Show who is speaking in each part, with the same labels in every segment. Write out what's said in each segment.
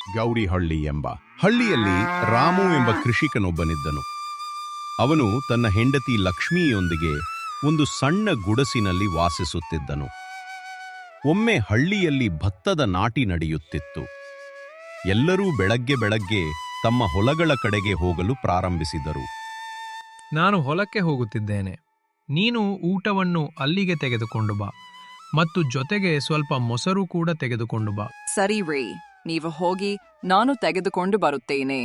Speaker 1: ಗೌರಿಹಳ್ಳಿ ಎಂಬ ಹಳ್ಳಿಯಲ್ಲಿ ರಾಮು ಎಂಬ ಕೃಷಿಕನೊಬ್ಬನಿದ್ದನು. ಅವನು ತನ್ನ ಹೆಂಡತಿ ಲಕ್ಷ್ಮಿಯೊಂದಿಗೆ ಒಂದು ಸಣ್ಣ ಗುಡಸಿನಲ್ಲಿ ವಾಸಿಸುತ್ತಿದ್ದನು. ಒಮ್ಮೆ ಹಳ್ಳಿಯಲ್ಲಿ ಭತ್ತದ ನಾಟಿ ನಡೆಯುತ್ತಿತ್ತು. ಎಲ್ಲರೂ ಬೆಳಗ್ಗೆ ಬೆಳಗ್ಗೆ ತಮ್ಮ ಹೊಲಗಳ ಕಡೆಗೆ ಹೋಗಲು ಪ್ರಾರಂಭಿಸಿದರು.
Speaker 2: ನಾನು ಹೊಲಕ್ಕೆ ಹೋಗುತ್ತಿದ್ದೇನೆ, ನೀನು ಊಟವನ್ನು ಅಲ್ಲಿಗೆ ತೆಗೆದುಕೊಂಡು ಬಾ ಮತ್ತು ಜೊತೆಗೆ ಸ್ವಲ್ಪ ಮೊಸರು ಕೂಡ ತೆಗೆದುಕೊಂಡು ಬಾ.
Speaker 3: ಸರಿ ರೀ, ನೀವು ಹೋಗಿ, ನಾನು ತೆಗೆದುಕೊಂಡು ಬರುತ್ತೇನೆ.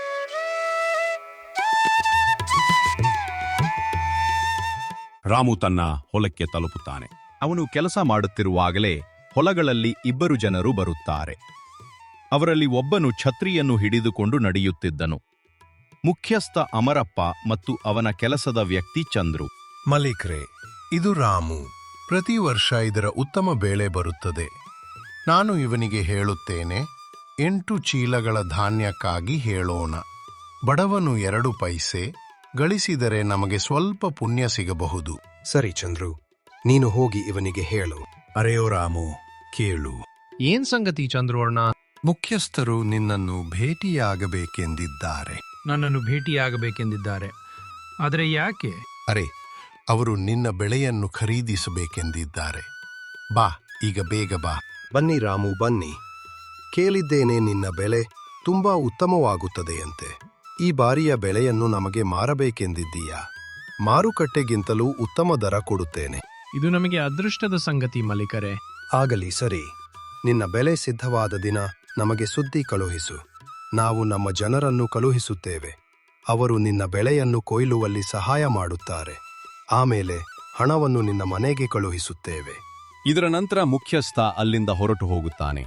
Speaker 1: ರಾಮು ತನ್ನ ಹೊಲಕ್ಕೆ ತಲುಪುತ್ತಾನೆ. ಅವನು ಕೆಲಸ ಮಾಡುತ್ತಿರುವಾಗಲೇ ಹೊಲಗಳಲ್ಲಿ ಇಬ್ಬರು ಜನರು ಬರುತ್ತಾರೆ. ಅವರಲ್ಲಿ ಒಬ್ಬನು ಛತ್ರಿಯನ್ನು ಹಿಡಿದುಕೊಂಡು ನಡೆಯುತ್ತಿದ್ದನು. ಮುಖ್ಯಸ್ಥ ಅಮರಪ್ಪ ಮತ್ತು ಅವನ ಕೆಲಸದ ವ್ಯಕ್ತಿ ಚಂದ್ರು.
Speaker 4: ಮಲಿಕ್ರೆ, ಇದು ರಾಮು. ಪ್ರತಿ ವರ್ಷ ಇದರ ಉತ್ತಮ ಬೆಳೆ ಬರುತ್ತದೆ. ನಾನು ಇವನಿಗೆ ಹೇಳುತ್ತೇನೆ, 8 ಚೀಲಗಳ ಧಾನ್ಯಕ್ಕಾಗಿ ಹೇಳೋಣ. ಬಡವನು 2 ಪೈಸೆ ಗಳಿಸಿದರೆ ನಮಗೆ ಸ್ವಲ್ಪ ಪುಣ್ಯ ಸಿಗಬಹುದು.
Speaker 5: ಸರಿ ಚಂದ್ರು, ನೀನು ಹೋಗಿ ಇವನಿಗೆ ಹೇಳು.
Speaker 4: ಅರೆಯೋ ರಾಮು, ಕೇಳು.
Speaker 2: ಏನ್ ಸಂಗತಿ ಚಂದ್ರೋರ್ಣ?
Speaker 4: ಮುಖ್ಯಸ್ಥರು ನಿನ್ನನ್ನು ಭೇಟಿಯಾಗಬೇಕೆಂದಿದ್ದಾರೆ.
Speaker 2: ನನ್ನನ್ನು ಭೇಟಿಯಾಗಬೇಕೆಂದಿದ್ದಾರೆ. ಆದರೆ ಯಾಕೆ?
Speaker 4: ಅರೆ, ಅವರು ನಿನ್ನ ಬೆಳೆಯನ್ನು ಖರೀದಿಸಬೇಕೆಂದಿದ್ದಾರೆ. ಬಾ, ಈಗ ಬೇಗ ಬಾ.
Speaker 5: ಬನ್ನಿ ರಾಮು, ಬನ್ನಿ. ಕೇಳಿದ್ದೇನೆ, ನಿನ್ನ ಬೆಳೆ ತುಂಬಾ ಉತ್ತಮವಾಗುತ್ತದೆಯಂತೆ. ಈ ಬಾರಿಯ ಬೆಳೆಯನ್ನು ನಮಗೆ ಮಾರಬೇಕೆಂದಿದ್ದೀಯಾ? ಮಾರುಕಟ್ಟೆಗಿಂತಲೂ ಉತ್ತಮ ದರ ಕೊಡುತ್ತೇನೆ.
Speaker 2: ಇದು ನಮಗೆ ಅದೃಷ್ಟದ ಸಂಗತಿ ಮಲಿಕರೇ.
Speaker 5: ಆಗಲಿ, ಸರಿ. ನಿನ್ನ ಬೆಳೆ ಸಿದ್ಧವಾದ ದಿನ ನಮಗೆ ಸುದ್ದಿ ಕಳುಹಿಸು. ನಾವು ನಮ್ಮ ಜನರನ್ನು ಕಳುಹಿಸುತ್ತೇವೆ. ಅವರು ನಿನ್ನ ಬೆಳೆಯನ್ನು ಕೊಯ್ಲುವಲ್ಲಿ ಸಹಾಯ ಮಾಡುತ್ತಾರೆ. ಆಮೇಲೆ ಹಣವನ್ನು ನಿನ್ನ ಮನೆಗೆ ಕಳುಹಿಸುತ್ತೇವೆ.
Speaker 1: ಇದರ ನಂತರ ಮುಖ್ಯಸ್ಥ ಅಲ್ಲಿಂದ ಹೊರಟು ಹೋಗುತ್ತಾನೆ.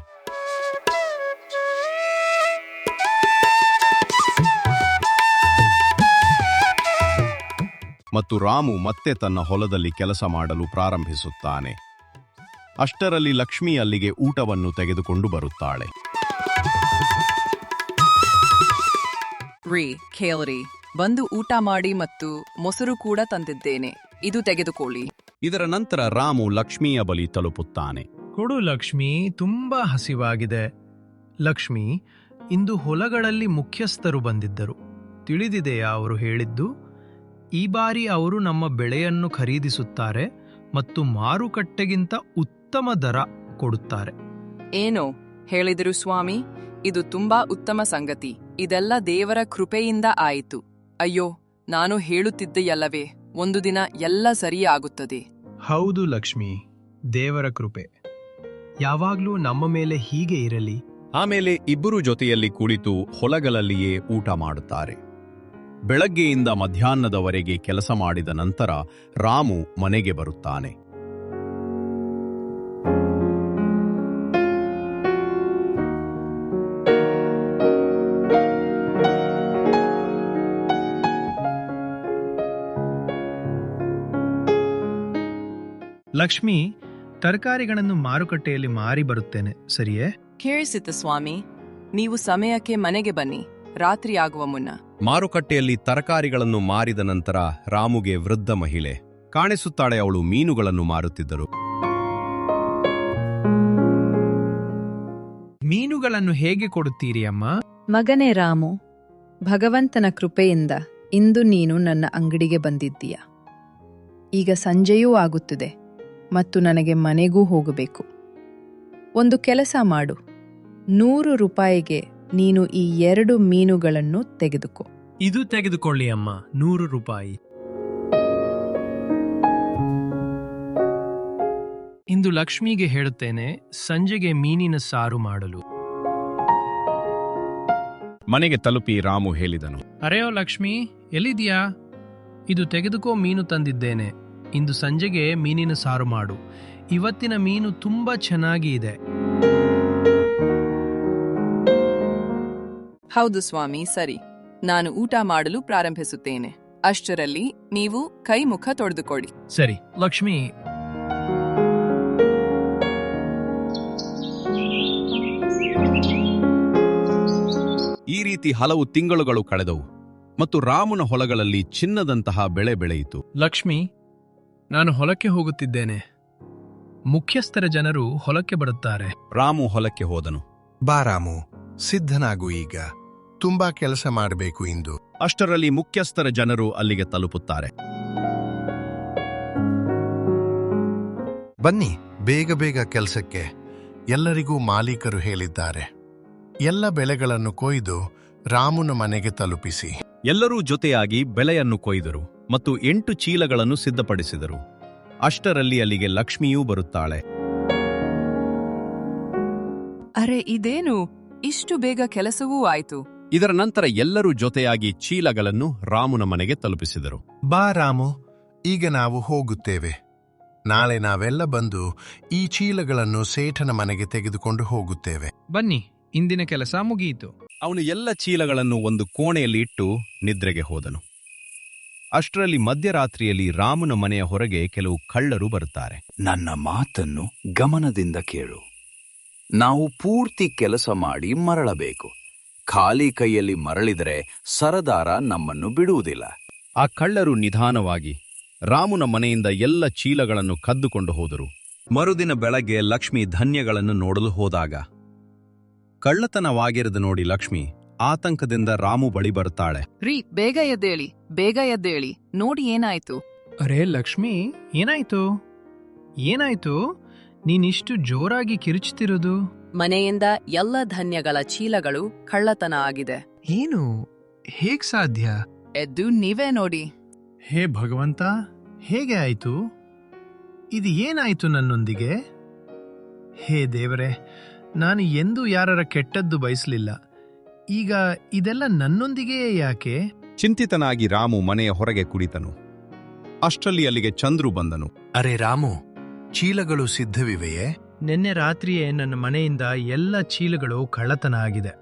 Speaker 1: ಮತ್ತು ರಾಮು ಮತ್ತೆ ತನ್ನ ಹೊಲದಲ್ಲಿ ಕೆಲಸ ಮಾಡಲು ಪ್ರಾರಂಭಿಸುತ್ತಾನೆ. ಅಷ್ಟರಲ್ಲಿ ಲಕ್ಷ್ಮಿ ಅಲ್ಲಿಗೆ ಊಟವನ್ನು ತೆಗೆದುಕೊಂಡು ಬರುತ್ತಾಳೆ.
Speaker 3: ರೀ, ಕೇಳ್ರಿ, ಬಂದು ಊಟ ಮಾಡಿ ಮತ್ತು ಮೊಸರು ಕೂಡ ತಂದಿದ್ದೇನೆ, ಇದು ತೆಗೆದುಕೊಳ್ಳಿ.
Speaker 1: ಇದರ ನಂತರ ರಾಮು ಲಕ್ಷ್ಮಿಯ ಬಳಿ ತಲುಪುತ್ತಾನೆ.
Speaker 2: ಕೊಡು ಲಕ್ಷ್ಮಿ, ತುಂಬಾ ಹಸಿವಾಗಿದೆ. ಲಕ್ಷ್ಮಿ, ಇಂದು ಹೊಲಗಳಲ್ಲಿ ಮುಖ್ಯಸ್ಥರು ಬಂದಿದ್ದರು. ತಿಳಿದಿದೆಯಾ ಅವರು ಹೇಳಿದ್ದು? ಈ ಬಾರಿ ಅವರು ನಮ್ಮ ಬೆಳೆಯನ್ನು ಖರೀದಿಸುತ್ತಾರೆ ಮತ್ತು ಮಾರುಕಟ್ಟೆಗಿಂತ ಉತ್ತಮ ದರ ಕೊಡುತ್ತಾರೆ.
Speaker 3: ಏನೋ ಹೇಳಿದರು ಸ್ವಾಮಿ, ಇದು ತುಂಬಾ ಉತ್ತಮ ಸಂಗತಿ. ಇದೆಲ್ಲ ದೇವರ ಕೃಪೆಯಿಂದ ಆಯಿತು. ಅಯ್ಯೋ, ನಾನು ಹೇಳುತ್ತಿದ್ದೆಯಲ್ಲವೇ, ಒಂದು ದಿನ ಎಲ್ಲ ಸರಿಯಾಗುತ್ತದೆ.
Speaker 2: ಹೌದು ಲಕ್ಷ್ಮಿ, ದೇವರ ಕೃಪೆ ಯಾವಾಗ್ಲೂ ನಮ್ಮ ಮೇಲೆ ಹೀಗೆ ಇರಲಿ.
Speaker 1: ಆಮೇಲೆ ಇಬ್ಬರು ಜೊತೆಯಲ್ಲಿ ಕುಳಿತು ಹೊಲಗಳಲ್ಲಿಯೇ ಊಟ ಮಾಡುತ್ತಾರೆ. ಬೆಳಗ್ಗೆಯಿಂದ ಮಧ್ಯಾಹ್ನದವರೆಗೆ ಕೆಲಸ ಮಾಡಿದ ನಂತರ ರಾಮು ಮನೆಗೆ ಬರುತ್ತಾನೆ.
Speaker 2: ಲಕ್ಷ್ಮಿ, ತರಕಾರಿಗಳನ್ನು ಮಾರುಕಟ್ಟೆಯಲ್ಲಿ ಮಾರಿ ಬರುತ್ತೇನೆ, ಸರಿಯೇ?
Speaker 3: ಕೇಳಿಸಿತು ಸ್ವಾಮಿ, ನೀವು ಸಮಯಕ್ಕೆ ಮನೆಗೆ ಬನ್ನಿ, ರಾತ್ರಿ ಆಗುವ ಮುನ್ನ.
Speaker 1: ಮಾರುಕಟ್ಟೆಯಲ್ಲಿ ತರಕಾರಿಗಳನ್ನು ಮಾರಿದ ನಂತರ ರಾಮುಗೆ ವೃದ್ಧ ಮಹಿಳೆ ಕಾಣಿಸುತ್ತಾಳೆ. ಅವಳು ಮೀನುಗಳನ್ನು ಮಾರುತ್ತಿದ್ದರು.
Speaker 2: ಮೀನುಗಳನ್ನು ಹೇಗೆ ಕೊಡುತ್ತೀರಿ ಅಮ್ಮ?
Speaker 6: ಮಗನೇ ರಾಮು, ಭಗವಂತನ ಕೃಪೆಯಿಂದ ಇಂದು ನೀನು ನನ್ನ ಅಂಗಡಿಗೆ ಬಂದಿದ್ದೀಯ. ಈಗ ಸಂಜೆಯೂ ಆಗುತ್ತದೆ ಮತ್ತು ನನಗೆ ಮನೆಗೂ ಹೋಗಬೇಕು. ಒಂದು ಕೆಲಸ ಮಾಡು, 100 ರೂಪಾಯಿಗೆ ನೀನು ಈ 2 ಮೀನುಗಳನ್ನು ತೆಗೆದುಕೋ.
Speaker 2: ಇದು ತೆಗೆದುಕೊಳ್ಳಿ ಅಮ್ಮ, 100 ರೂಪಾಯಿ. ಇಂದು ಲಕ್ಷ್ಮಿಗೆ ಹೇಳುತ್ತೇನೆ, ಸಂಜೆಗೆ ಮೀನಿನ ಸಾರು ಮಾಡಲು.
Speaker 1: ಮನೆಗೆ ತಲುಪಿ ರಾಮು ಹೇಳಿದನು.
Speaker 2: ಅರೆಯೋ ಲಕ್ಷ್ಮಿ, ಎಲ್ಲಿದ್ಯಾ? ಇದು ತೆಗೆದುಕೋ, ಮೀನು ತಂದಿದ್ದೇನೆ. ಇಂದು ಸಂಜೆಗೆ ಮೀನಿನ ಸಾರು ಮಾಡು. ಇವತ್ತಿನ ಮೀನು ತುಂಬಾ ಚೆನ್ನಾಗಿ ಇದೆ.
Speaker 3: ಹೌದು ಸ್ವಾಮಿ, ಸರಿ. ನಾನು ಊಟ ಮಾಡಲು ಪ್ರಾರಂಭಿಸುತ್ತೇನೆ. ಅಷ್ಟರಲ್ಲಿ ನೀವು ಕೈ ಮುಖ ತೊಳೆದುಕೊಳ್ಳಿ.
Speaker 2: ಸರಿ ಲಕ್ಷ್ಮಿ.
Speaker 1: ಈ ರೀತಿ ಹಲವು ತಿಂಗಳುಗಳು ಕಳೆದವು ಮತ್ತು ರಾಮನ ಹೊಲಗಳಲ್ಲಿ ಚಿನ್ನದಂತಹ ಬೆಳೆ ಬೆಳೆಯಿತು.
Speaker 2: ಲಕ್ಷ್ಮಿ, ನಾನು ಹೊಲಕ್ಕೆ ಹೋಗುತ್ತಿದ್ದೇನೆ. ಮುಖ್ಯಸ್ಥರ ಜನರು ಹೊಲಕ್ಕೆ ಬರುತ್ತಾರೆ.
Speaker 1: ರಾಮು ಹೊಲಕ್ಕೆ ಹೋದನು.
Speaker 5: ಬಾ ರಾಮು,
Speaker 4: ಸಿದ್ಧನಾಗು ಈಗ. ತುಂಬಾ ಕೆಲಸ ಮಾಡಬೇಕು ಇಂದು.
Speaker 1: ಅಷ್ಟರಲ್ಲಿ ಮುಖ್ಯಸ್ಥರ ಜನರು ಅಲ್ಲಿಗೆ ತಲುಪುತ್ತಾರೆ.
Speaker 4: ಬನ್ನಿ, ಬೇಗ ಬೇಗ ಕೆಲಸಕ್ಕೆ. ಎಲ್ಲರಿಗೂ ಮಾಲೀಕರು ಹೇಳಿದ್ದಾರೆ. ಎಲ್ಲ ಬೆಳೆಗಳನ್ನು ಕೊಯ್ದು ರಾಮುನ ಮನೆಗೆ ತಲುಪಿಸಿ.
Speaker 1: ಎಲ್ಲರೂ ಜೊತೆಯಾಗಿ ಬೆಳೆಯನ್ನು ಕೊಯ್ದರು ಮತ್ತು 8 ಚೀಲಗಳನ್ನು ಸಿದ್ಧಪಡಿಸಿದರು. ಅಷ್ಟರಲ್ಲಿ ಅಲ್ಲಿಗೆ ಲಕ್ಷ್ಮಿಯೂ ಬರುತ್ತಾಳೆ.
Speaker 3: ಅರೆ ಇದೇನು, ಇಷ್ಟು ಬೇಗ ಕೆಲಸವೂ ಆಯ್ತು.
Speaker 1: ಇದರ ನಂತರ ಎಲ್ಲರೂ ಜೊತೆಯಾಗಿ ಚೀಲಗಳನ್ನು ರಾಮುನ ಮನೆಗೆ ತಲುಪಿಸಿದರು.
Speaker 4: ಬಾ ರಾಮು, ಈಗ ನಾವು ಹೋಗುತ್ತೇವೆ. ನಾಳೆ ನಾವೆಲ್ಲ ಬಂದು ಈ ಚೀಲಗಳನ್ನು ಸೇಠನ ಮನೆಗೆ ತೆಗೆದುಕೊಂಡು ಹೋಗುತ್ತೇವೆ.
Speaker 2: ಬನ್ನಿ, ಇಂದಿನ ಕೆಲಸ ಮುಗಿಯಿತು.
Speaker 1: ಅವನು ಎಲ್ಲ ಚೀಲಗಳನ್ನು ಒಂದು ಕೋಣೆಯಲ್ಲಿ ಇಟ್ಟು ನಿದ್ರೆಗೆ ಹೋದನು. ಅಷ್ಟರಲ್ಲಿ ಮಧ್ಯರಾತ್ರಿಯಲ್ಲಿ ರಾಮುನ ಮನೆಯ ಹೊರಗೆ ಕೆಲವು ಕಳ್ಳರು ಬರುತ್ತಾರೆ.
Speaker 7: ನನ್ನ ಮಾತನ್ನು ಗಮನದಿಂದ ಕೇಳು. ನಾವು ಪೂರ್ತಿ ಕೆಲಸ ಮಾಡಿ ಮರಳಬೇಕು. ಖಾಲಿ ಕೈಯಲ್ಲಿ ಮರಳಿದರೆ ಸರದಾರ ನಮ್ಮನ್ನು ಬಿಡುವುದಿಲ್ಲ.
Speaker 1: ಆ ಕಳ್ಳರು ನಿಧಾನವಾಗಿ ರಾಮುನ ಮನೆಯಿಂದ ಎಲ್ಲ ಚೀಲಗಳನ್ನು ಕದ್ದುಕೊಂಡು ಹೋದರು. ಮರುದಿನ ಬೆಳಗ್ಗೆ ಲಕ್ಷ್ಮಿ ಧಾನ್ಯಗಳನ್ನು ನೋಡಲು ಹೋದಾಗ ಕಳ್ಳತನವಾಗಿರದ ನೋಡಿ ಲಕ್ಷ್ಮಿ ಆತಂಕದಿಂದ ರಾಮು ಬಳಿ ಬರುತ್ತಾಳೆ.
Speaker 3: ರೀ, ಬೇಗ ಎದ್ದೇಳಿ, ಬೇಗ ಎದ್ದೇಳಿ, ನೋಡಿ ಏನಾಯ್ತು.
Speaker 2: ಅರೆ ಲಕ್ಷ್ಮಿ, ಏನಾಯ್ತು? ಏನಾಯ್ತು? ನೀನಿಷ್ಟು ಜೋರಾಗಿ ಕಿರುಚುತ್ತಿರೋದು?
Speaker 3: ಮನೆಯಿಂದ ಎಲ್ಲ ಧಾನ್ಯಗಳ ಚೀಲಗಳು ಕಳ್ಳತನ ಆಗಿದೆ.
Speaker 2: ಏನು? ಹೇಗ್ ಸಾಧ್ಯ?
Speaker 3: ಎದ್ದು ನೀವೇ ನೋಡಿ.
Speaker 2: ಹೇ ಭಗವಂತ, ಹೇಗೆ ಆಯ್ತು? ಇದು ಏನಾಯ್ತು ನನ್ನೊಂದಿಗೆ? ಹೇ ದೇವರೇ, ನಾನು ಎಂದೂ ಯಾರರ ಕೆಟ್ಟದ್ದು ಬಯಸಲಿಲ್ಲ. ಈಗ ಇದೆಲ್ಲ ನನ್ನೊಂದಿಗೆಯೇ ಯಾಕೆ?
Speaker 1: ಚಿಂತಿತನಾಗಿ ರಾಮು ಮನೆಯ ಹೊರಗೆ ಕುಳಿತನು. ಅಷ್ಟರಲ್ಲಿ ಅಲ್ಲಿಗೆ ಚಂದ್ರು ಬಂದನು.
Speaker 4: ಅರೆ ರಾಮು, ಚೀಲಗಳು ಸಿದ್ಧವಿವೆಯೇ?
Speaker 2: ನಿನ್ನೆ ರಾತ್ರಿಯೇ ನನ್ನ ಮನೆಯಿಂದ ಎಲ್ಲ ಚೀಲಗಳು ಕಳ್ಳತನ ಆಗಿದೆ.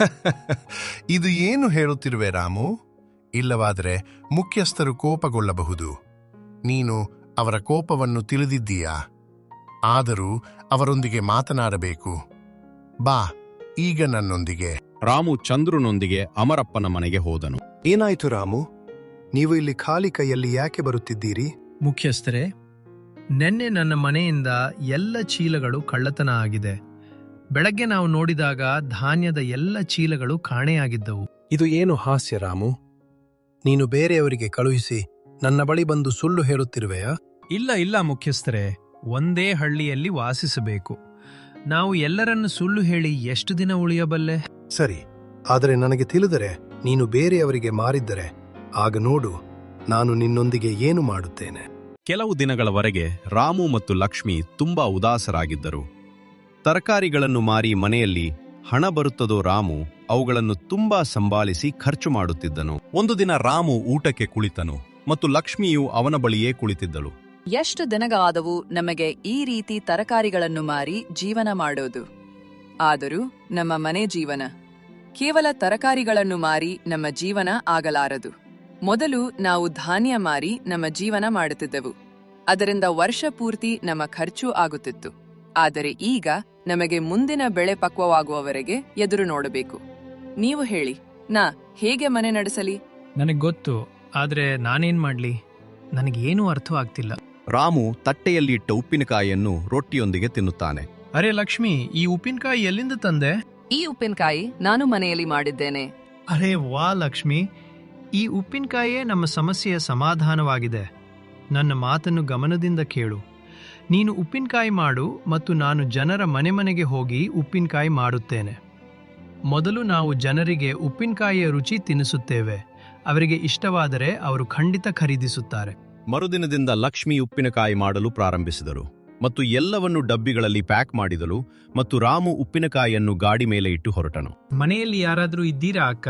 Speaker 4: ಇದು ಏನು ಹೇಳುತ್ತಿರುವೆ ರಾಮು? ಇಲ್ಲವಾದರೆ ಮುಖ್ಯಸ್ಥರು ಕೋಪಗೊಳ್ಳಬಹುದು. ನೀನು ಅವರ ಕೋಪವನ್ನು ತಿಳಿದಿದ್ದೀಯಾ? ಆದರೂ ಅವರೊಂದಿಗೆ ಮಾತನಾಡಬೇಕು. ಬಾ, ಈಗ ನನ್ನೊಂದಿಗೆ.
Speaker 1: ರಾಮು ಚಂದ್ರುನೊಂದಿಗೆ ಅಮರಪ್ಪನ ಮನೆಗೆ ಹೋದನು.
Speaker 5: ಏನಾಯ್ತು ರಾಮು? ನೀವು ಇಲ್ಲಿ ಖಾಲಿ ಕೈಯಲ್ಲಿ ಯಾಕೆ ಬರುತ್ತಿದ್ದೀರಿ?
Speaker 2: ಮುಖ್ಯಸ್ಥರೇ, ನಿನ್ನೆ ನನ್ನ ಮನೆಯಿಂದ ಎಲ್ಲ ಚೀಲಗಳು ಕಳ್ಳತನ ಆಗಿದೆ. ಬೆಳಗ್ಗೆ ನಾವು ನೋಡಿದಾಗ ಧಾನ್ಯದ ಎಲ್ಲ ಚೀಲಗಳು ಕಾಣೆಯಾಗಿದ್ದವು.
Speaker 5: ಇದು ಏನು ಹಾಸ್ಯ ರಾಮು? ನೀನು ಬೇರೆಯವರಿಗೆ ಕಳುಹಿಸಿ ನನ್ನ ಬಳಿ ಬಂದು ಸುಳ್ಳು ಹೇಳುತ್ತಿರುವೆಯಾ?
Speaker 2: ಇಲ್ಲ ಮುಖ್ಯಸ್ಥರೇ, ಒಂದೇ ಹಳ್ಳಿಯಲ್ಲಿ ವಾಸಿಸಬೇಕು. ನಾವು ಎಲ್ಲರನ್ನು ಸುಳ್ಳು ಹೇಳಿ ಎಷ್ಟು ದಿನ ಉಳಿಯಬಲ್ಲೆ?
Speaker 5: ಸರಿ, ಆದರೆ ನನಗೆ ತಿಳಿದರೆ ನೀನು ಬೇರೆಯವರಿಗೆ ಮಾರಿದ್ದರೆ ಆಗ ನೋಡು ನಾನು ನಿನ್ನೊಂದಿಗೆ ಏನು ಮಾಡುತ್ತೇನೆ.
Speaker 1: ಕೆಲವು ದಿನಗಳವರೆಗೆ ರಾಮು ಮತ್ತು ಲಕ್ಷ್ಮಿ ತುಂಬಾ ಉದಾಸರಾಗಿದ್ದರು. ತರಕಾರಿಗಳನ್ನು ಮಾರಿ ಮನೆಯಲ್ಲಿ ಹಣ ಬರುತ್ತದೋ ರಾಮು ಅವುಗಳನ್ನು ತುಂಬಾ ಸಂಭಾಳಿಸಿ ಖರ್ಚು ಮಾಡುತ್ತಿದ್ದನು. ಒಂದು ದಿನ ರಾಮು ಊಟಕ್ಕೆ ಕುಳಿತನು ಮತ್ತು ಲಕ್ಷ್ಮಿಯು ಅವನ ಬಳಿಯೇ ಕುಳಿತಿದ್ದಳು.
Speaker 3: ಎಷ್ಟು ದಿನಗಳಾದವು ನಮಗೆ ಈ ರೀತಿ ತರಕಾರಿಗಳನ್ನು ಮಾರಿ ಜೀವನ ಮಾಡೋದು. ಆದರೂ ನಮ್ಮ ಮನೆ ಜೀವನ ಕೇವಲ ತರಕಾರಿಗಳನ್ನು ಮಾರಿ ನಮ್ಮ ಜೀವನ ಆಗಲಾರದು. ಮೊದಲು ನಾವು ಧಾನ್ಯ ಮಾರಿ ನಮ್ಮ ಜೀವನ ಮಾಡುತ್ತಿದ್ದೆವು. ಅದರಿಂದ ವರ್ಷ ಪೂರ್ತಿ ನಮ್ಮ ಖರ್ಚು ಆಗುತ್ತಿತ್ತು. ಆದರೆ ಈಗ ನಮಗೆ ಮುಂದಿನ ಬೆಳೆ ಪಕ್ವವಾಗುವವರೆಗೆ ಎದುರು ನೋಡಬೇಕು. ನೀವು ಹೇಳಿ, ನಾ ಹೇಗೆ ಮನೆ ನಡೆಸಲಿ?
Speaker 2: ನನಗೆ ಗೊತ್ತು, ಆದ್ರೆ ನಾನೇನ್ ಮಾಡ್ಲಿ? ನನಗೇನೂ ಅರ್ಥವಾಗ್ತಿಲ್ಲ.
Speaker 1: ರಾಮು ತಟ್ಟೆಯಲ್ಲಿ ಇಟ್ಟ ಉಪ್ಪಿನಕಾಯಿಯನ್ನು ರೊಟ್ಟಿಯೊಂದಿಗೆ ತಿನ್ನುತ್ತಾನೆ.
Speaker 2: ಅರೆ ಲಕ್ಷ್ಮಿ, ಈ ಉಪ್ಪಿನಕಾಯಿ ಎಲ್ಲಿಂದ ತಂದೆ?
Speaker 3: ಈ ಉಪ್ಪಿನಕಾಯಿ ನಾನು ಮನೆಯಲ್ಲಿ ಮಾಡಿದ್ದೇನೆ.
Speaker 2: ಅರೆ ವಾ ಲಕ್ಷ್ಮಿ, ಈ ಉಪ್ಪಿನಕಾಯಿಯೇ ನಮ್ಮ ಸಮಸ್ಯೆಯ ಸಮಾಧಾನವಾಗಿದೆ. ನನ್ನ ಮಾತನ್ನು ಗಮನದಿಂದ ಕೇಳು. ನೀನು ಉಪ್ಪಿನಕಾಯಿ ಮಾಡು ಮತ್ತು ನಾನು ಜನರ ಮನೆಗೆ ಹೋಗಿ ಉಪ್ಪಿನಕಾಯಿ ಮಾಡುತ್ತೇನೆ. ಮೊದಲು ನಾವು ಜನರಿಗೆ ಉಪ್ಪಿನಕಾಯಿಯ ರುಚಿ ತಿನ್ನಿಸುತ್ತೇವೆ. ಅವರಿಗೆ ಇಷ್ಟವಾದರೆ ಅವರು ಖಂಡಿತ ಖರೀದಿಸುತ್ತಾರೆ.
Speaker 1: ಮರುದಿನದಿಂದ ಲಕ್ಷ್ಮಿ ಉಪ್ಪಿನಕಾಯಿ ಮಾಡಲು ಪ್ರಾರಂಭಿಸಿದರು ಮತ್ತು ಎಲ್ಲವನ್ನು ಡಬ್ಬಿಗಳಲ್ಲಿ ಪ್ಯಾಕ್ ಮಾಡಿದಳು ಮತ್ತು ರಾಮು ಉಪ್ಪಿನಕಾಯಿಯನ್ನು ಗಾಡಿ ಮೇಲೆ ಇಟ್ಟು ಹೊರಟನು.
Speaker 2: ಮನೆಯಲ್ಲಿ ಯಾರಾದರೂ ಇದ್ದೀರಾ ಅಕ್ಕ?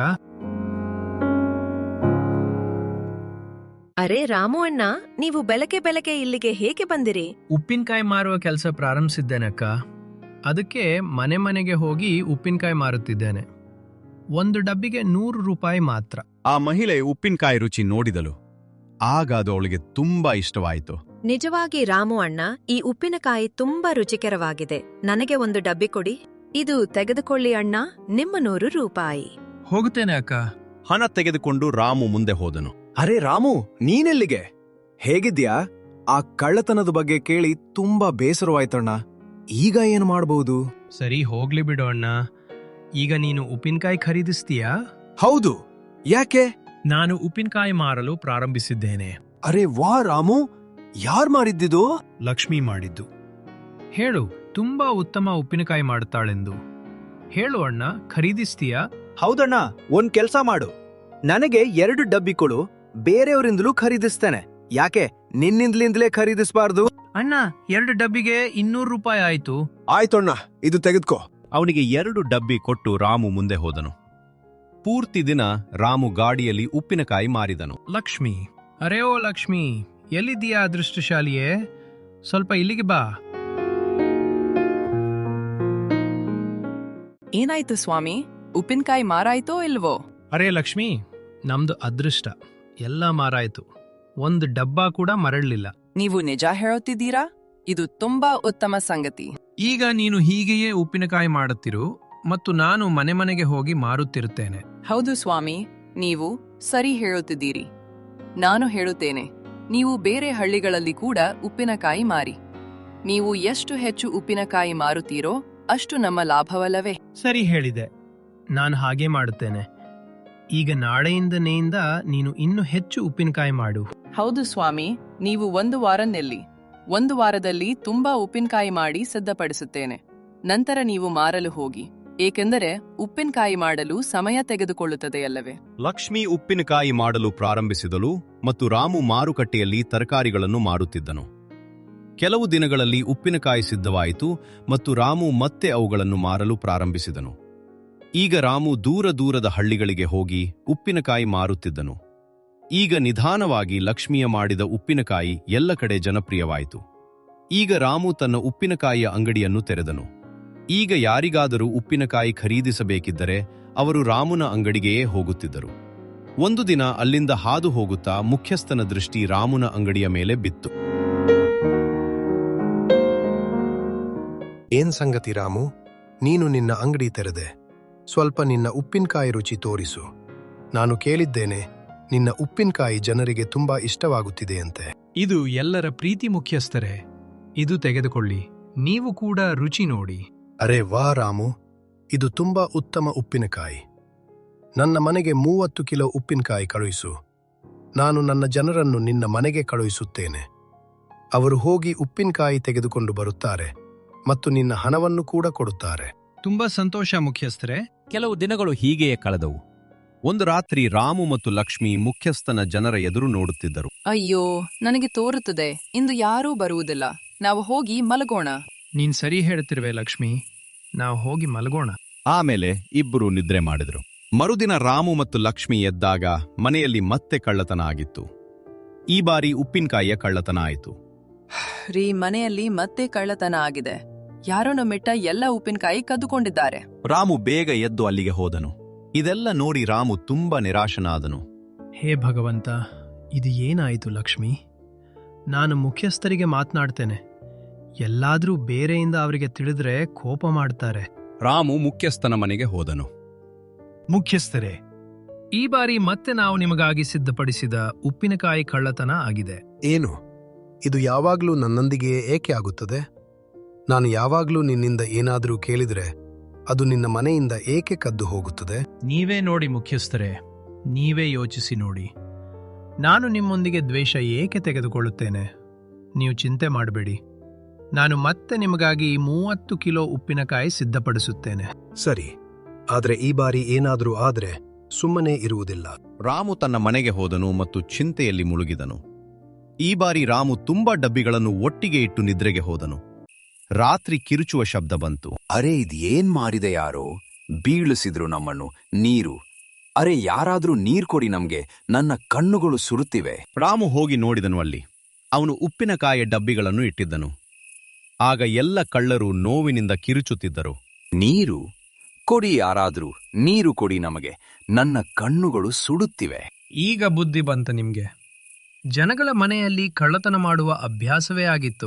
Speaker 8: ಅರೆ ರಾಮು ಅಣ್ಣ, ನೀವು ಬೆಳಗ್ಗೆ ಇಲ್ಲಿಗೆ ಹೇಗೆ ಬಂದಿರಿ?
Speaker 2: ಉಪ್ಪಿನಕಾಯಿ ಮಾರುವ ಕೆಲಸ ಪ್ರಾರಂಭಿಸಿದ್ದೇನಕ್ಕ. ಅದಕ್ಕೆ ಮನೆಗೆ ಹೋಗಿ ಉಪ್ಪಿನಕಾಯಿ ಮಾರುತ್ತಿದ್ದೇನೆ. ಒಂದು ಡಬ್ಬಿಗೆ 100 ರೂಪಾಯಿ ಮಾತ್ರ.
Speaker 1: ಆ ಮಹಿಳೆ ಉಪ್ಪಿನಕಾಯಿ ರುಚಿ ನೋಡಿದಳು. ಆಗ ಅದು ಅವಳಿಗೆ ತುಂಬಾ ಇಷ್ಟವಾಯಿತು.
Speaker 8: ನಿಜವಾಗಿ ರಾಮು ಅಣ್ಣ, ಈ ಉಪ್ಪಿನಕಾಯಿ ತುಂಬಾ ರುಚಿಕರವಾಗಿದೆ. ನನಗೆ ಒಂದು ಡಬ್ಬಿ ಕೊಡಿ. ಇದು ತೆಗೆದುಕೊಳ್ಳಿ ಅಣ್ಣ, ನಿಮ್ಮ 100 ರೂಪಾಯಿ.
Speaker 2: ಹೋಗುತ್ತೇನೆ ಅಕ್ಕ.
Speaker 1: ಹಣ ತೆಗೆದುಕೊಂಡು ರಾಮು ಮುಂದೆ ಹೋದನು.
Speaker 5: ಅರೆ ರಾಮು, ನೀನೆಲ್ಲಿಗೆ? ಹೇಗಿದ್ಯಾ? ಆ ಕಳ್ಳತನದ ಬಗ್ಗೆ ಕೇಳಿ ತುಂಬಾ ಬೇಸರವಾಯ್ತಣ್ಣ. ಈಗ ಏನು ಮಾಡಬಹುದು?
Speaker 2: ಸರಿ, ಹೋಗ್ಲಿ ಬಿಡು ಅಣ್ಣ. ಈಗ ನೀನು ಉಪ್ಪಿನಕಾಯಿ ಖರೀದಿಸ್ತೀಯಾ?
Speaker 5: ಹೌದು, ಯಾಕೆ?
Speaker 2: ನಾನು ಉಪ್ಪಿನಕಾಯಿ ಮಾರಲು ಪ್ರಾರಂಭಿಸಿದ್ದೇನೆ.
Speaker 5: ಅರೆ ವಾ ರಾಮು, ಯಾರ್ ಮಾರಿದ್ದಿದು?
Speaker 2: ಲಕ್ಷ್ಮಿ ಮಾಡಿದ್ದು. ಹೇಳು, ತುಂಬಾ ಉತ್ತಮ ಉಪ್ಪಿನಕಾಯಿ ಮಾಡುತ್ತಾಳೆಂದು. ಹೇಳು ಅಣ್ಣ, ಖರೀದಿಸ್ತೀಯಾ?
Speaker 9: ಹೌದಣ್ಣ, ಒಂದ್ ಕೆಲ್ಸ ಮಾಡು, ನನಗೆ 2 ಡಬ್ಬಿ ಕೊಡು, ಬೇರೆಯವರಿಂದಲೂ ಖರೀದಿಸ್ತೇನೆ. ಯಾಕೆ ನಿನ್ನಿಂದಲಿಂದಲೇ ಖರೀದಿಸಬಾರ್ದು?
Speaker 2: ಅಣ್ಣ, 2 ಡಬ್ಬಿಗೆ 200 ರೂಪಾಯಿ ಆಯ್ತು.
Speaker 5: ಆಯ್ತಣ್ಣ, ಇದು ತೆಗೆದುಕೋ.
Speaker 1: ಅವನಿಗೆ 2 ಡಬ್ಬಿ ಕೊಟ್ಟು ರಾಮು ಮುಂದೆ ಹೋದನು. ಪೂರ್ತಿ ದಿನ ರಾಮು ಗಾಡಿಯಲ್ಲಿ ಉಪ್ಪಿನಕಾಯಿ ಮಾರಿದನು.
Speaker 2: ಲಕ್ಷ್ಮಿ, ಅರೆ ಓ ಲಕ್ಷ್ಮಿ, ಎಲ್ಲಿದ್ದೀಯಾ ಅದೃಷ್ಟಶಾಲಿಯೇ? ಸ್ವಲ್ಪ ಇಲ್ಲಿಗೆ ಬಾ.
Speaker 3: ಏನಾಯ್ತು ಸ್ವಾಮಿ, ಉಪ್ಪಿನಕಾಯಿ ಮಾರಾಯ್ತೋ ಇಲ್ವೋ?
Speaker 2: ಅರೆ ಲಕ್ಷ್ಮಿ, ನಮ್ದು ಅದೃಷ್ಟ, ಎಲ್ಲ ಮಾರಾಯ್ತು. 1 ಡಬ್ಬ ಕೂಡ ಮರಳಲಿಲ್ಲ.
Speaker 3: ನೀವು ನಿಜ ಹೇಳುತ್ತಿದ್ದೀರಾ? ಇದು ತುಂಬಾ ಉತ್ತಮ ಸಂಗತಿ.
Speaker 2: ಈಗ ನೀನು ಹೀಗೆಯೇ ಉಪ್ಪಿನಕಾಯಿ ಮಾಡುತ್ತಿರು ಮತ್ತು ನಾನು ಮನೆ ಮನೆಗೆ ಹೋಗಿ ಮಾರುತ್ತಿರುತ್ತೇನೆ.
Speaker 3: ಹೌದು ಸ್ವಾಮಿ, ನೀವು ಸರಿ ಹೇಳುತ್ತಿದ್ದೀರಿ. ನಾನು ಹೇಳುತ್ತೇನೆ, ನೀವು ಬೇರೆ ಹಳ್ಳಿಗಳಲ್ಲಿ ಕೂಡ ಉಪ್ಪಿನಕಾಯಿ ಮಾರಿ. ನೀವು ಎಷ್ಟು ಹೆಚ್ಚು ಉಪ್ಪಿನಕಾಯಿ ಮಾರುತ್ತೀರೋ ಅಷ್ಟು ನಮ್ಮ ಲಾಭವಲ್ಲವೇ?
Speaker 2: ಸರಿ ಹೇಳಿದೆ, ನಾನು ಹಾಗೆ ಮಾಡುತ್ತೇನೆ. ಈಗ ನಾಳೆಯಿಂದನೆಯಿಂದ ನೀನು ಇನ್ನೂ ಹೆಚ್ಚು ಉಪ್ಪಿನಕಾಯಿ ಮಾಡು.
Speaker 3: ಹೌದು ಸ್ವಾಮಿ, ನೀವು 1 ವಾರ ನಿಲ್ಲಿ. 1 ವಾರದಲ್ಲಿ ತುಂಬಾ ಉಪ್ಪಿನಕಾಯಿ ಮಾಡಿ ಸಿದ್ಧಪಡಿಸುತ್ತೇನೆ. ನಂತರ ನೀವು ಮಾರಲು ಹೋಗಿ, ಏಕೆಂದರೆ ಉಪ್ಪಿನಕಾಯಿ ಮಾಡಲು ಸಮಯ ತೆಗೆದುಕೊಳ್ಳುತ್ತದೆಯಲ್ಲವೇ?
Speaker 1: ಲಕ್ಷ್ಮಿ ಉಪ್ಪಿನಕಾಯಿ ಮಾಡಲು ಪ್ರಾರಂಭಿಸಿದಳು ಮತ್ತು ರಾಮು ಮಾರುಕಟ್ಟೆಯಲ್ಲಿ ತರಕಾರಿಗಳನ್ನು ಮಾರುತ್ತಿದ್ದನು. ಕೆಲವು ದಿನಗಳಲ್ಲಿ ಉಪ್ಪಿನಕಾಯಿ ಸಿದ್ಧವಾಯಿತು ಮತ್ತು ರಾಮು ಮತ್ತೆ ಅವುಗಳನ್ನು ಮಾರಲು ಪ್ರಾರಂಭಿಸಿದನು. ಈಗ ರಾಮು ದೂರ ದೂರದ ಹಳ್ಳಿಗಳಿಗೆ ಹೋಗಿ ಉಪ್ಪಿನಕಾಯಿ ಮಾರುತ್ತಿದ್ದನು. ಈಗ ನಿಧಾನವಾಗಿ ಲಕ್ಷ್ಮಿಯ ಮಾಡಿದ ಉಪ್ಪಿನಕಾಯಿ ಎಲ್ಲ ಕಡೆ ಜನಪ್ರಿಯವಾಯಿತು. ಈಗ ರಾಮು ತನ್ನ ಉಪ್ಪಿನಕಾಯಿಯ ಅಂಗಡಿಯನ್ನು ತೆರೆದನು. ಈಗ ಯಾರಿಗಾದರೂ ಉಪ್ಪಿನಕಾಯಿ ಖರೀದಿಸಬೇಕಿದ್ದರೆ ಅವರು ರಾಮುನ ಅಂಗಡಿಗೆಯೇ ಹೋಗುತ್ತಿದ್ದರು. ಒಂದು ದಿನ ಅಲ್ಲಿಂದ ಹಾದು ಹೋಗುತ್ತಾ ಮುಖ್ಯಸ್ಥನ ದೃಷ್ಟಿ ರಾಮುನ ಅಂಗಡಿಯ ಮೇಲೆ ಬಿತ್ತು.
Speaker 5: ಏನ್ ಸಂಗತಿ ರಾಮು, ನೀನು ನಿನ್ನ ಅಂಗಡಿ ತೆರೆದೆ. ಸ್ವಲ್ಪ ನಿನ್ನ ಉಪ್ಪಿನಕಾಯಿ ರುಚಿ ತೋರಿಸು. ನಾನು ಕೇಳಿದ್ದೇನೆ, ನಿನ್ನ ಉಪ್ಪಿನಕಾಯಿ ಜನರಿಗೆ ತುಂಬಾ ಇಷ್ಟವಾಗುತ್ತಿದೆಯಂತೆ.
Speaker 2: ಇದು ಎಲ್ಲರ ಪ್ರೀತಿ ಮುಖ್ಯಸ್ಥರೇ. ಇದು ತೆಗೆದುಕೊಳ್ಳಿ, ನೀವು ಕೂಡ ರುಚಿ ನೋಡಿ.
Speaker 5: ಅರೆ ವಾ ರಾಮು, ಇದು ತುಂಬಾ ಉತ್ತಮ ಉಪ್ಪಿನಕಾಯಿ. ನನ್ನ ಮನೆಗೆ 30 ಕಿಲೋ ಉಪ್ಪಿನಕಾಯಿ ಕಳುಹಿಸು. ನಾನು ನನ್ನ ಜನರನ್ನು ನಿನ್ನ ಮನೆಗೆ ಕಳುಹಿಸುತ್ತೇನೆ. ಅವರು ಹೋಗಿ ಉಪ್ಪಿನಕಾಯಿ ತೆಗೆದುಕೊಂಡು ಬರುತ್ತಾರೆ ಮತ್ತು ನಿನ್ನ ಹಣವನ್ನು ಕೂಡ ಕೊಡುತ್ತಾರೆ.
Speaker 2: ತುಂಬಾ ಸಂತೋಷ ಮುಖ್ಯಸ್ಥರೇ.
Speaker 1: ಕೆಲವು ದಿನಗಳು ಹೀಗೆಯೇ ಕಳೆದವು. ಒಂದು ರಾತ್ರಿ ರಾಮು ಮತ್ತು ಲಕ್ಷ್ಮಿ ಮುಖ್ಯಸ್ಥನ ಜನರ ಎದುರು ನೋಡುತ್ತಿದ್ದರು.
Speaker 3: ಅಯ್ಯೋ, ನನಗೆ ತೋರುತ್ತದೆ ಇಂದು ಯಾರೂ ಬರುವುದಿಲ್ಲ. ನಾವು ಹೋಗಿ ಮಲಗೋಣ.
Speaker 2: ನೀನ್ ಸರಿ ಹೇಳ್ತಿರುವೆ ಲಕ್ಷ್ಮಿ, ನಾವು ಹೋಗಿ ಮಲಗೋಣ.
Speaker 1: ಆಮೇಲೆ ಇಬ್ಬರು ನಿದ್ರೆ ಮಾಡಿದರು. ಮರುದಿನ ರಾಮು ಮತ್ತು ಲಕ್ಷ್ಮಿ ಎದ್ದಾಗ ಮನೆಯಲ್ಲಿ ಮತ್ತೆ ಕಳ್ಳತನ ಆಗಿತ್ತು. ಈ ಬಾರಿ ಉಪ್ಪಿನಕಾಯಿಯ ಕಳ್ಳತನ ಆಯಿತು.
Speaker 3: ರೀ, ಮನೆಯಲ್ಲಿ ಮತ್ತೆ ಕಳ್ಳತನ ಆಗಿದೆ. ಯಾರನ್ನು ಮಿಟ್ಟ ಎಲ್ಲ ಉಪ್ಪಿನಕಾಯಿ ಕದ್ದುಕೊಂಡಿದ್ದಾರೆ.
Speaker 1: ರಾಮು ಬೇಗ ಎದ್ದು ಅಲ್ಲಿಗೆ ಹೋದನು. ಇದೆಲ್ಲ ನೋಡಿ ರಾಮು ತುಂಬಾ ನಿರಾಶನಾದನು.
Speaker 2: ಹೇ ಭಗವಂತ, ಇದು ಏನಾಯಿತು ಲಕ್ಷ್ಮಿ? ನಾನು ಮುಖ್ಯಸ್ಥರಿಗೆ ಮಾತನಾಡ್ತೇನೆ. ಎಲ್ಲಾದ್ರೂ ಬೇರೆಯಿಂದ ಅವರಿಗೆ ತಿಳಿದ್ರೆ ಕೋಪ ಮಾಡ್ತಾರೆ.
Speaker 1: ರಾಮು ಮುಖ್ಯಸ್ಥನ ಮನೆಗೆ ಹೋದನು.
Speaker 2: ಮುಖ್ಯಸ್ಥರೇ, ಈ ಬಾರಿ ಮತ್ತೆ ನಾವು ನಿಮಗಾಗಿ ಸಿದ್ಧಪಡಿಸಿದ ಉಪ್ಪಿನಕಾಯಿ ಕಳ್ಳತನ ಆಗಿದೆ.
Speaker 5: ಏನು? ಇದು ಯಾವಾಗ್ಲೂ ನನ್ನೊಂದಿಗೆ ಏಕೆ ಆಗುತ್ತದೆ? ನಾನು ಯಾವಾಗ್ಲೂ ನಿನ್ನಿಂದ ಏನಾದರೂ ಕೇಳಿದ್ರೆ ಅದು ನಿನ್ನ ಮನೆಯಿಂದ ಏಕೆ ಕದ್ದು ಹೋಗುತ್ತದೆ?
Speaker 2: ನೀವೇ ನೋಡಿ ಮುಖ್ಯಸ್ಥರೇ, ನೀವೇ ಯೋಚಿಸಿ ನೋಡಿ. ನಾನು ನಿಮ್ಮೊಂದಿಗೆ ದ್ವೇಷ ಏಕೆ ತೆಗೆದುಕೊಳ್ಳುತ್ತೇನೆ? ನೀವು ಚಿಂತೆ ಮಾಡಬೇಡಿ. ನಾನು ಮತ್ತೆ ನಿಮಗಾಗಿ 30 ಕಿಲೋ ಉಪ್ಪಿನಕಾಯಿ ಸಿದ್ಧಪಡಿಸುತ್ತೇನೆ.
Speaker 5: ಸರಿ, ಆದ್ರೆ ಈ ಬಾರಿ ಏನಾದರೂ ಆದ್ರೆ ಸುಮ್ಮನೆ ಇರುವುದಿಲ್ಲ.
Speaker 1: ರಾಮು ತನ್ನ ಮನೆಗೆ ಹೋದನು ಮತ್ತು ಚಿಂತೆಯಲ್ಲಿ ಮುಳುಗಿದನು. ಈ ಬಾರಿ ರಾಮು ತುಂಬಾ ಡಬ್ಬಿಗಳನ್ನು ಒಟ್ಟಿಗೆ ಇಟ್ಟು ನಿದ್ರೆಗೆ ಹೋದನು. ರಾತ್ರಿ ಕಿರುಚುವ ಶಬ್ದ ಬಂತು.
Speaker 7: ಅರೆ ಇದೇನ್ ಮಾರಿದೆ ಯಾರೋ, ಬೀಳಿಸಿದ್ರು ನಮ್ಮನ್ನು. ನೀರು, ಅರೆ ಯಾರಾದ್ರೂ ನೀರ್ ಕೊಡಿ ನಮ್ಗೆ, ನನ್ನ ಕಣ್ಣುಗಳು ಸುರುತ್ತಿವೆ.
Speaker 1: ರಾಮು ಹೋಗಿ ನೋಡಿದನು. ಅಲ್ಲಿ ಅವನು ಉಪ್ಪಿನಕಾಯಿಯ ಡಬ್ಬಿಗಳನ್ನು ಇಟ್ಟಿದ್ದನು. ಆಗ ಎಲ್ಲ ಕಳ್ಳರು ನೋವಿನಿಂದ ಕಿರುಚುತ್ತಿದ್ದರು.
Speaker 7: ನೀರು ಕೊಡಿ, ಯಾರಾದ್ರೂ ನೀರು ಕೊಡಿ ನಮಗೆ, ನನ್ನ ಕಣ್ಣುಗಳು ಸುಡುತ್ತಿವೆ.
Speaker 2: ಈಗ ಬುದ್ಧಿ ಬಂತ ನಿಮ್ಗೆ. ಜನಗಳ ಮನೆಯಲ್ಲಿ ಕಳ್ಳತನ ಮಾಡುವ ಅಭ್ಯಾಸವೇ ಆಗಿತ್ತು.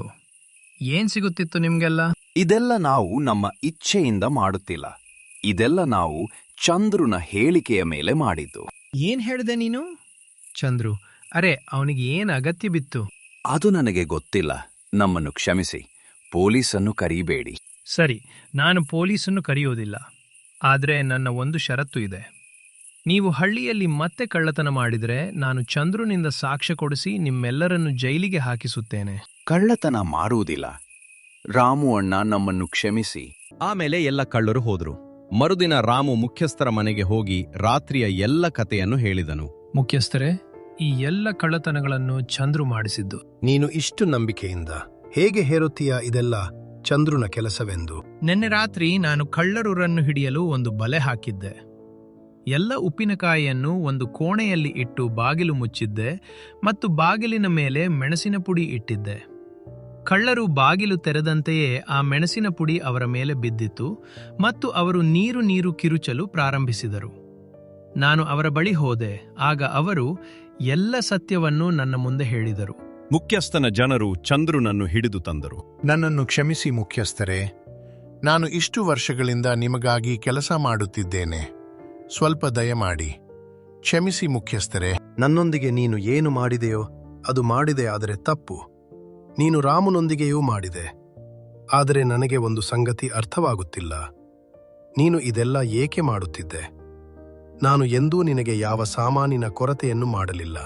Speaker 2: ಏನ್ ಸಿಗುತ್ತಿತ್ತು ನಿಮ್ಗೆಲ್ಲ?
Speaker 7: ಇದೆಲ್ಲ ನಾವು ನಮ್ಮ ಇಚ್ಛೆಯಿಂದ ಮಾಡುತ್ತಿಲ್ಲ. ಇದೆಲ್ಲ ನಾವು ಚಂದ್ರುನ ಹೇಳಿಕೆಯ ಮೇಲೆ ಮಾಡಿದ್ದು.
Speaker 2: ಏನ್ ಹೇಳಿದೆ ನೀನು? ಚಂದ್ರು, ಅರೆ ಅವನಿಗೆ ಏನ್ ಅಗತ್ಯ ಬಿತ್ತು?
Speaker 7: ಅದು ನನಗೆ ಗೊತ್ತಿಲ್ಲ. ನಮ್ಮನ್ನು ಕ್ಷಮಿಸಿ. ಪೊಲೀಸನ್ನು ಕರೀಬೇಡಿ.
Speaker 2: ಸರಿ, ನಾನು ಪೊಲೀಸನ್ನು ಕರೆಯೋದಿಲ್ಲ. ಆದರೆ ನನ್ನ ಒಂದು ಷರತ್ತು ಇದೆ. ನೀವು ಹಳ್ಳಿಯಲ್ಲಿ ಮತ್ತೆ ಕಳ್ಳತನ ಮಾಡಿದರೆ ನಾನು ಚಂದ್ರುನಿಂದ ಸಾಕ್ಷ್ಯ ಕೊಡಿಸಿ ನಿಮ್ಮೆಲ್ಲರನ್ನು ಜೈಲಿಗೆ ಹಾಕಿಸುತ್ತೇನೆ.
Speaker 7: ಕಳ್ಳತನ ಮಾಡುವುದಿಲ್ಲ. ರಾಮು ಅಣ್ಣ, ನಮ್ಮನ್ನು ಕ್ಷಮಿಸಿ.
Speaker 1: ಆಮೇಲೆ ಎಲ್ಲ ಕಳ್ಳರು ಹೋದ್ರು. ಮರುದಿನ ರಾಮು ಮುಖ್ಯಸ್ಥರ ಮನೆಗೆ ಹೋಗಿ ರಾತ್ರಿಯ ಎಲ್ಲ ಕಥೆಯನ್ನು ಹೇಳಿದನು.
Speaker 2: ಮುಖ್ಯಸ್ಥರೇ, ಈ ಎಲ್ಲ ಕಳ್ಳತನಗಳನ್ನು ಚಂದ್ರು ಮಾಡಿಸಿದ್ದು.
Speaker 5: ನೀನು ಇಷ್ಟು ನಂಬಿಕೆಯಿಂದ ಹೇಗೆ ಹೇರುತ್ತೀಯ ಇದೆಲ್ಲ ಚಂದ್ರುನ ಕೆಲಸವೆಂದು?
Speaker 2: ನಿನ್ನೆ ರಾತ್ರಿ ನಾನು ಕಳ್ಳರನ್ನು ಹಿಡಿಯಲು ಒಂದು ಬಲೆ ಹಾಕಿದ್ದೆ. ಎಲ್ಲ ಉಪ್ಪಿನಕಾಯಿಯನ್ನು ಒಂದು ಕೋಣೆಯಲ್ಲಿ ಇಟ್ಟು ಬಾಗಿಲು ಮುಚ್ಚಿದ್ದೆ ಮತ್ತು ಬಾಗಿಲಿನ ಮೇಲೆ ಮೆಣಸಿನ ಪುಡಿ ಇಟ್ಟಿದ್ದೆ. ಕಳ್ಳರು ಬಾಗಿಲು ತೆರೆದಂತೆಯೇ ಆ ಮೆಣಸಿನ ಪುಡಿ ಅವರ ಮೇಲೆ ಬಿದ್ದಿತು ಮತ್ತು ಅವರು ನೀರು ಕಿರುಚಲು ಪ್ರಾರಂಭಿಸಿದರು. ನಾನು ಅವರ ಬಳಿ ಹೋದೆ. ಆಗ ಅವರು ಎಲ್ಲ ಸತ್ಯವನ್ನು ನನ್ನ ಮುಂದೆ ಹೇಳಿದರು.
Speaker 1: ಮುಖ್ಯಸ್ಥನ ಜನರು ಚಂದ್ರುನನ್ನು ಹಿಡಿದು ತಂದರು.
Speaker 4: ನನ್ನನ್ನು ಕ್ಷಮಿಸಿ ಮುಖ್ಯಸ್ಥರೇ, ನಾನು ಇಷ್ಟು ವರ್ಷಗಳಿಂದ ನಿಮಗಾಗಿ ಕೆಲಸ ಮಾಡುತ್ತಿದ್ದೇನೆ. ಸ್ವಲ್ಪ ದಯಮಾಡಿ ಕ್ಷಮಿಸಿ ಮುಖ್ಯಸ್ಥರೇ.
Speaker 5: ನನ್ನೊಂದಿಗೆ ನೀನು ಏನು ಮಾಡಿದೆಯೋ ಅದು ಮಾಡಿದೆ, ಆದರೆ ತಪ್ಪು. ನೀನು ರಾಮನೊಂದಿಗೆಯೂ ಮಾಡಿದೆ. ಆದರೆ ನನಗೆ ಒಂದು ಸಂಗತಿ ಅರ್ಥವಾಗುತ್ತಿಲ್ಲ. ನೀನು ಇದೆಲ್ಲ ಏಕೆ ಮಾಡುತ್ತಿದ್ದೆ? ನಾನು ಎಂದೂ ನಿನಗೆ ಯಾವ ಸಾಮಾನಿನ ಕೊರತೆಯನ್ನು ಮಾಡಲಿಲ್ಲ.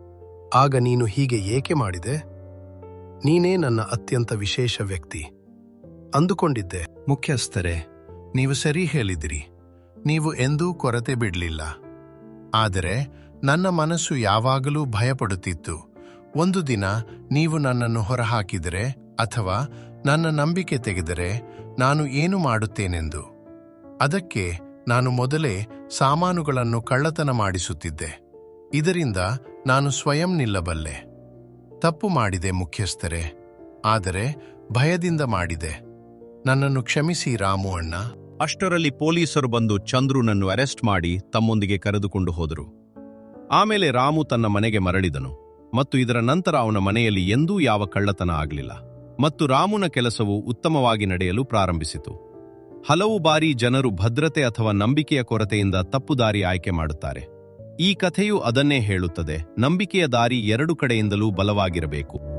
Speaker 5: ಆಗ ನೀನು ಹೀಗೆ ಏಕೆ ಮಾಡಿದೆ? ನೀನೇ ನನ್ನ ಅತ್ಯಂತ ವಿಶೇಷ ವ್ಯಕ್ತಿ ಅಂದುಕೊಂಡಿದ್ದೆ.
Speaker 4: ಮುಖ್ಯಸ್ಥರೇ, ನೀವು ಸರಿ ಹೇಳಿದಿರಿ. ನೀವು ಎಂದೂ ಕೊರತೆ ಬಿಡಲಿಲ್ಲ. ಆದರೆ ನನ್ನ ಮನಸ್ಸು ಯಾವಾಗಲೂ ಭಯಪಡುತ್ತಿತ್ತು. ಒಂದು ದಿನ ನೀವು ನನ್ನನ್ನು ಹೊರಹಾಕಿದರೆ ಅಥವಾ ನನ್ನ ನಂಬಿಕೆ ತೆಗೆದರೆ ನಾನು ಏನು ಮಾಡುತ್ತೇನೆಂದು. ಅದಕ್ಕೆ ನಾನು ಮೊದಲೇ ಸಾಮಾನುಗಳನ್ನು ಕಳ್ಳತನ ಮಾಡಿಸುತ್ತಿದ್ದೆ. ಇದರಿಂದ ನಾನು ಸ್ವಯಂ ನಿಲ್ಲಬಲ್ಲೆ. ತಪ್ಪು ಮಾಡಿದೆ ಮುಖ್ಯಸ್ಥರೇ, ಆದರೆ ಭಯದಿಂದ ಮಾಡಿದೆ. ನನ್ನನ್ನು ಕ್ಷಮಿಸಿ ರಾಮು ಅಣ್ಣ.
Speaker 1: ಅಷ್ಟರಲ್ಲಿ ಪೊಲೀಸರು ಬಂದು ಚಂದ್ರುನನ್ನು ಅರೆಸ್ಟ್ ಮಾಡಿ ತಮ್ಮೊಂದಿಗೆ ಕರೆದುಕೊಂಡು ಹೋದರು. ಆಮೇಲೆ ರಾಮು ತನ್ನ ಮನೆಗೆ ಮರಳಿದನು ಮತ್ತು ಇದರ ನಂತರ ಅವನ ಮನೆಯಲ್ಲಿ ಎಂದೂ ಯಾವ ಕಳ್ಳತನ ಆಗಲಿಲ್ಲ ಮತ್ತು ರಾಮುನ ಕೆಲಸವು ಉತ್ತಮವಾಗಿ ನಡೆಯಲು ಪ್ರಾರಂಭಿಸಿತು. ಹಲವು ಬಾರಿ ಜನರು ಭದ್ರತೆ ಅಥವಾ ನಂಬಿಕೆಯ ಕೊರತೆಯಿಂದ ತಪ್ಪು ದಾರಿ ಆಯ್ಕೆ ಮಾಡುತ್ತಾರೆ. ಈ ಕಥೆಯು ಅದನ್ನೇ ಹೇಳುತ್ತದೆ. ನಂಬಿಕೆಯ ದಾರಿ ಎರಡು ಕಡೆಯಿಂದಲೂ ಬಲವಾಗಿರಬೇಕು.